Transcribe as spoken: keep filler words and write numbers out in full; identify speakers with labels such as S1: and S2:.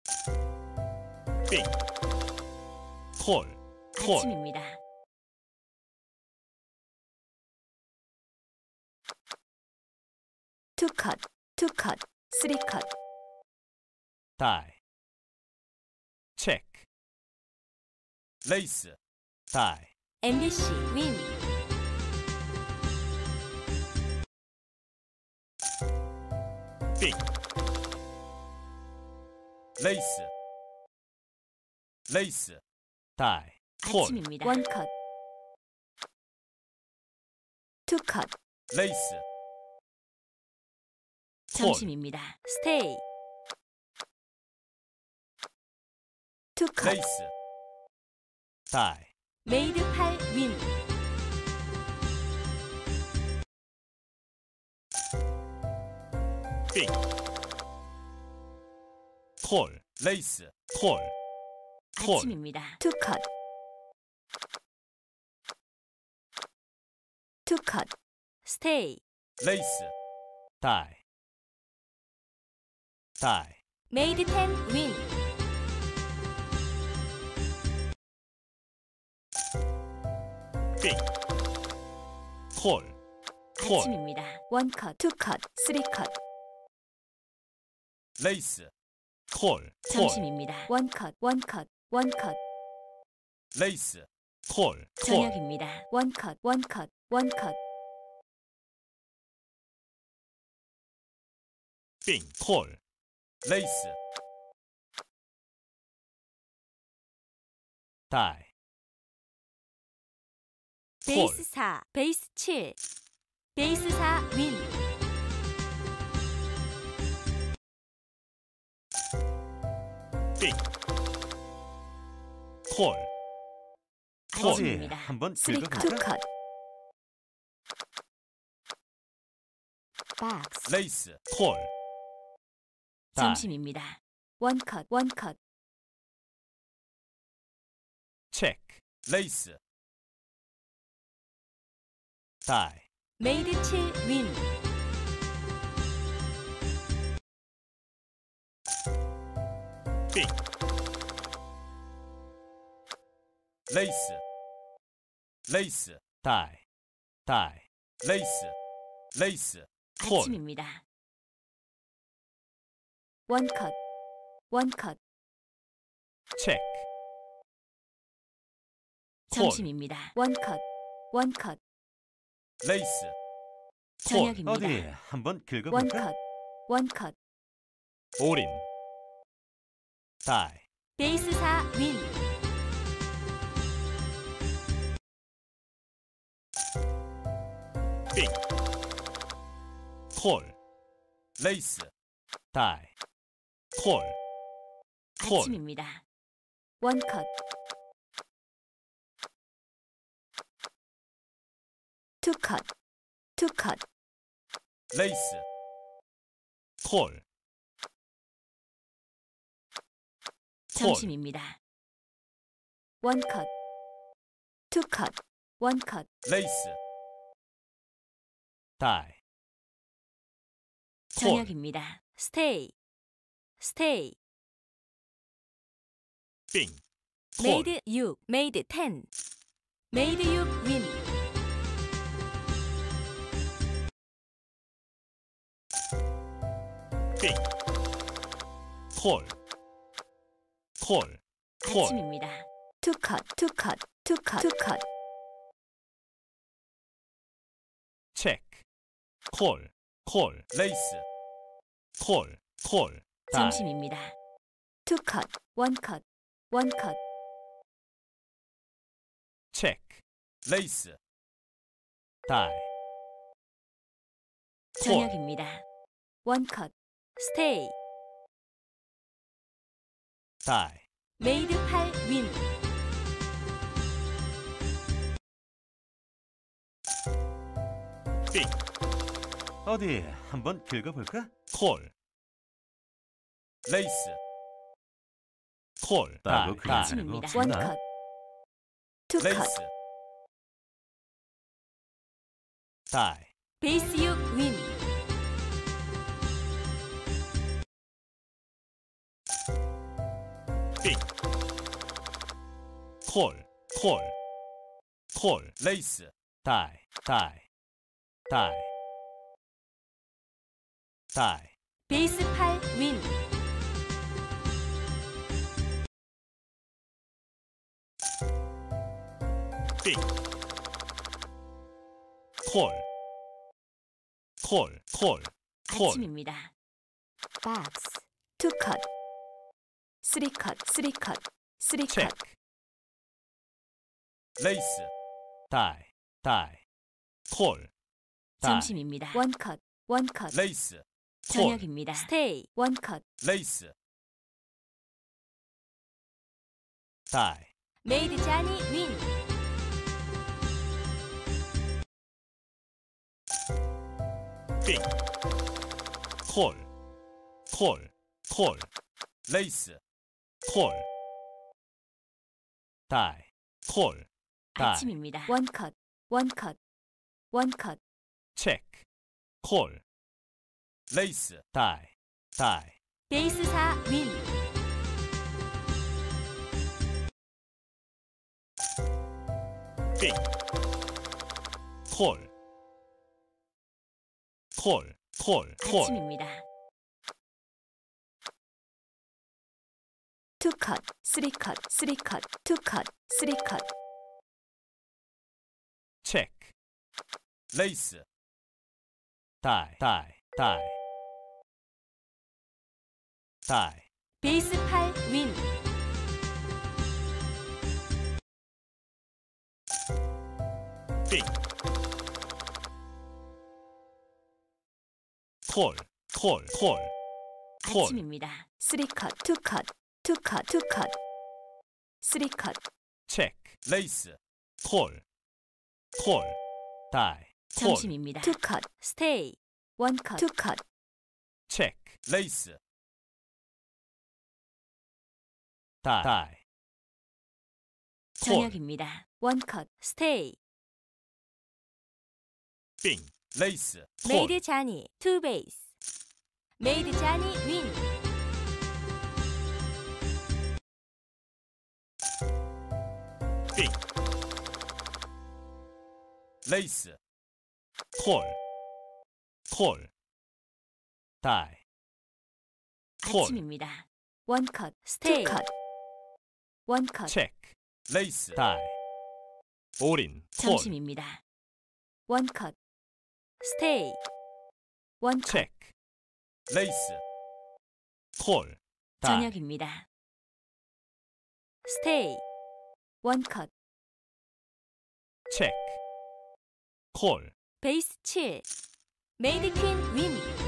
S1: 빙, 콜, 콜,
S2: 아침입니다. 투 컷, 투 컷, 쓰리 컷.
S1: 다이, 체크, 레이스, 다이,
S2: 엠비씨 윈.
S1: 빙, 레이스, 레이스, 다이, 콜,
S2: 아침입니다. 원 컷. 투 컷.
S1: 레이스, 콜,
S2: 점심입니다. 스테이. 투 컷.
S1: 레이스, 다이,
S2: 메이드 팔 윈.
S1: 빙, 콜, 레이스, 콜, 콜,
S2: 아침입니다. 투 컷. 투 컷. 스테이.
S1: 레이스, 다이, 다이,
S2: 메이드 텐 윈.
S1: 빙, 콜, 콜,
S2: 아침입니다. 원 컷, 투 컷, 쓰리 컷.
S1: 레이스, 콜, 콜,
S2: 점심입니다. 원 컷, 원 컷, 원 컷.
S1: 레이스, 콜, 콜,
S2: 저녁입니다. 원 컷, 원 컷, 원 컷.
S1: 빙, 콜, 레이스, 다이,
S2: 베이스 사, 베이스 칠. 베이스 사 윈.
S1: 빙, 콜, 콜,
S2: 아침입니다.
S3: 한번
S2: 쓰리 컷, 투
S3: 긁어볼까?
S2: 컷. 박스.
S1: 레이스, 콜, 다이,
S2: 점심입니다. 원 컷, 원 컷.
S1: 체크, 레이스, 다이,
S2: 메이드 칠 윈.
S1: 빙, 레이스, 레이스, 다이, 다이, 레이스, 레이스, 콜,
S2: 아침입니다. 원 컷, 원 컷.
S1: 체크, 콜,
S2: 점심입니다. 원 컷, 원 컷.
S1: 레이스, 콜,
S2: 저녁입니다.
S3: 어디 한번
S2: 원
S3: 긁어볼까?
S2: 컷, 원 컷.
S1: 올인, 다이,
S2: 베이스 사 윈.
S1: 빙, 콜, 레이스, 다이, 콜, 콜,
S2: 아침입니다. 원 컷. 투 컷, 투 컷.
S1: 레이스, 콜, 콜,
S2: 점심입니다. 원 컷, 투 컷, 원 컷.
S1: 레이스, 다이, 콜,
S2: 저녁입니다. 스테이. 스테이.
S1: 빙, 콜,
S2: 메이드 육, 메이드 텐. 메이드 육 윈.
S1: 빙, 콜, 콜, 콜,
S2: 아침입니다. 투 컷, 투 컷, 투 컷, 투 컷.
S1: 체크, 콜, 콜, 레이스, 콜, 콜, 다이,
S2: 점심입니다. 투 컷, 원 컷, 원 컷.
S1: 체크, 레이스, 다이, 콜,
S2: 저녁입니다. 원 컷. 스테이.
S1: 다이,
S2: 메이드 팔 윈.
S1: 빙,
S3: 어디 한번 긁어볼까?
S1: 콜, 레이스, 콜,
S3: 따로
S1: 다이,
S3: 그냥
S1: 다이,
S2: 아침입니다.
S3: 없구나.
S2: 원 컷. 투 컷.
S1: 레이스, 다이,
S2: 베이스 육 윈.
S1: 콜, 콜, 콜, 레이스, 다이, 다이, 다이, 다이,
S2: 베이스 팔 윈.
S1: 빙, 콜, 콜, 콜, 콜,
S2: 아침입니다. 박스 투 컷, 쓰리 컷, 쓰리 컷, 쓰리 컷.
S1: 체크, 레이스, 다이, 다이, 콜, 다이,
S2: 점심입니다. 원 컷, 원 컷.
S1: 레이스, 콜,
S2: 저녁입니다. 스테이 원 컷.
S1: 레이스, 다이,
S2: 메이드 자니 윈.
S1: 빙, 콜, 콜, 콜, 레이스, 콜, 다이, 콜, 다이,
S2: 아침입니다. 원 컷, 원 컷, 원 컷.
S1: 체크, 콜, 레이스, 다이, 다이,
S2: 베이스 사 윈.
S1: 빙, 콜, 콜, 콜, 콜,
S2: 아침입니다. 투 컷, 쓰리 컷, 쓰리 컷, 투 컷, 쓰리 컷.
S1: 체크, 레이스, 다이, 다이, 다이, 다이,
S2: 베이스 팔 윈.
S1: 빙, 콜, 콜, 콜, 콜,
S2: 아침입니다. 쓰리 컷, 투 컷, 투 컷, 투 컷. 쓰리 컷.
S1: 체크, 레이스, 콜, 콜, 다이, 콜,
S2: 점심입니다. 투 컷, 스테이 원 컷, 투 컷.
S1: 체크, 레이스, 다이, 다이, 콜,
S2: 저녁입니다. 원 컷, 스테이.
S1: 빙, 레이스, 콜,
S2: 메이드 자니 투 베이스. 메이드 자니 윈.
S1: 빙, 레이스, 콜, 콜, 다이, 콜,
S2: 아침입니다. 원 컷, 스테이. 투 컷. 원 컷.
S1: 체크, 레이스, 다이, 올인, 콜,
S2: 점심입니다. 원 컷, 스테이. 원 컷.
S1: 체크, 레이스, 콜, 다이,
S2: 저녁입니다. 스테이 원 컷.
S1: 체크, 콜,
S2: 베이스 칠. 메이드 퀸 윈.